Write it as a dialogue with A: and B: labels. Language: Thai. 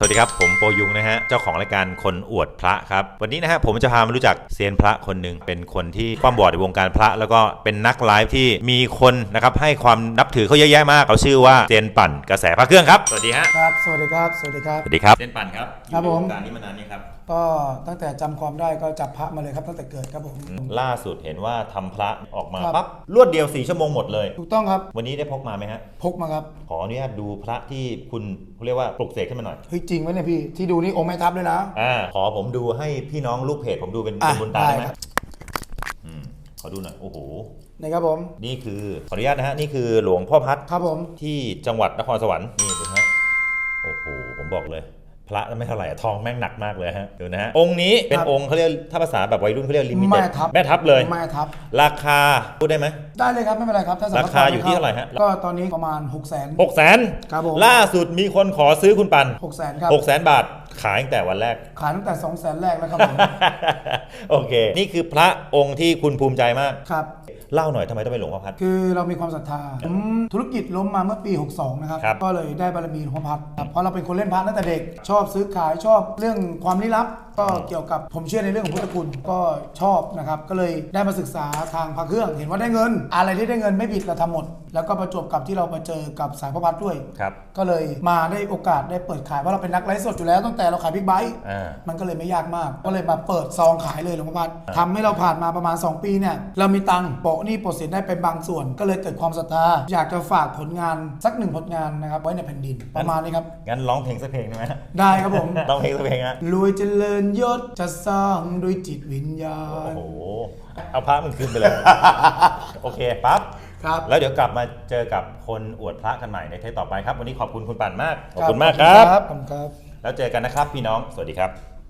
A: สวัสดีครับผมโปยุงนะฮะเจ้าของรายการคนอวดพระครับวันนี้นะฮะผมจะพามารู้จักเซียนพระคนหนึ่งเป็นคนที่ความบอดในวงการพระแล้วก็เป็นนักไลฟ์ที่มีคนนะครับให้ความนับถือเขาเยอะแยะมากเขาชื่อว่าเซียนปั่นกระแสพระเครื่องครับสวัสดีฮะ
B: ครับสวัสดีครับสวัสดีครับ
A: สวัสดีครับเซียนปั่นครับ
B: ครับผม
A: อยู่ในวงการนี้มานานนี้ครับ
B: ก็ตั้งแต่จำความได้ก็จับพระมาเลยครับตั้งแต่เกิดครับผม
A: ล่าสุดเห็นว่าทำพระออกมา
B: ครับ
A: ปั๊บรวดเดียว4 ชั่วโมงหมดเลย
B: ถูกต้องครับ
A: วันนี้ได้พกมาไหมฮะ
B: พกมาครับ
A: ขออนุญาตดูพระที่คุณเขาเรียกว่าปลุกเสกขึ้นมาหน่อย
B: เฮ้ยจริงไหมเนี่ยพี่ที่ดูนี่องค์แม่ทัพเลยนะ
A: ขอผมดูให้พี่น้องลูกเพจผมดูเป็นบุญตาได้ไหมขอดูหน่อยโอ้โห
B: นี่ครับผม
A: นี่คือขออนุญาตนะฮะนี่คือหลวงพ่อพัด
B: ครับผม
A: ที่จังหวัดนครสวรรค์นี่ดูฮะโอ้โหผมบอกเลยพระไม่เท่าไหร่ทองแม่งหนักมากเลยฮะดูนะฮะองค์นี้เป็นองค์เขาเรียกถ้าภาษาแบบวัยรุ่นเขาเรียกลิมิเต็ดแม่ทับเลย
B: แม่ทับ
A: ราคาพูดได้ไหม
B: ได้เลยครับไม่เป็นไรครับถ้า
A: ราคาอยู่ที่เท่าไหร่ฮะ
B: ก็ตอนนี้ประมาณ600,000ครับผม
A: ล่าสุดมีคนขอซื้อคุณปัน
B: 600,000ครับ
A: 600,000 บาทขายตั้งแต่วันแรก
B: ขายตั้งแต่200,000แรกแล้วครับผม
A: โอเคนี่คือพระองค์ที่คุณภูมิใจมาก
B: ครับ
A: เล่าหน่อยทำไมต้องเป็นหลวงพ่อพัด
B: คือเรามีความศรัทธาธุรกิจล้มมาเมื่อปี62นะครับก็เลยได้บารมีหลวงพ่อพัดเพราะเราเป็นคนเล่นพระตั้งแต่เด็กชอบซื้อขายชอบเรื่องความลี้ลับก็เกี่ยวกับผมเชื่อในเรื่องของพุทธคุณก็ชอบนะครับก็เลยได้มาศึกษาทางพระเครื่องเห็นว่าได้เงินอะไรที่ได้เงินไม่ผิดเราทำหมดแล้วก็ประจวบกับที่เรามาเจอกับสายพระพัดด้วยก็เลยมาได้โอกาสได้เปิดขายเพราะเราเป็นนักไลฟ์สดอยู่แล้วตั้งแต่เราขายบิ๊กไบค์มันก็เลยไม่ยากมากก็เลยมาเปิดซองขายเลยหลวงพ่อพัดทำให้เราผ่านมาประมาณ2 ปีเนี่ยเรามีตังค์โปะหนี้โปะสินได้เป็นบางส่วนก็เลยเกิดความศรัทธาอยากจะฝากผลงานสัก1 ผลงานนะครับไว้ในแผ่นดินประมาณนี้ครับ
A: งั้นร้องเพลงสักเพลงได้ไหม
B: ได้ครับผม
A: ร้องเพลงสักเพลงนะ
B: รวยเจริญยศจะสร้างด้วยจิตวิญญาณ
A: โอ้โหเอาพระมันคืนไปเลย โอเคปั๊บแล้วเดี๋ยวกลับมาเจอกับคนอวดพระกันใหม่ในเทปต่อไปครับวันนี้ขอบคุณคุณปั่นมากขอบคุณมากครับ
B: ขอบคุณครับ
A: แล้วเจอกันนะครับพี่น้องสวัสดีครับ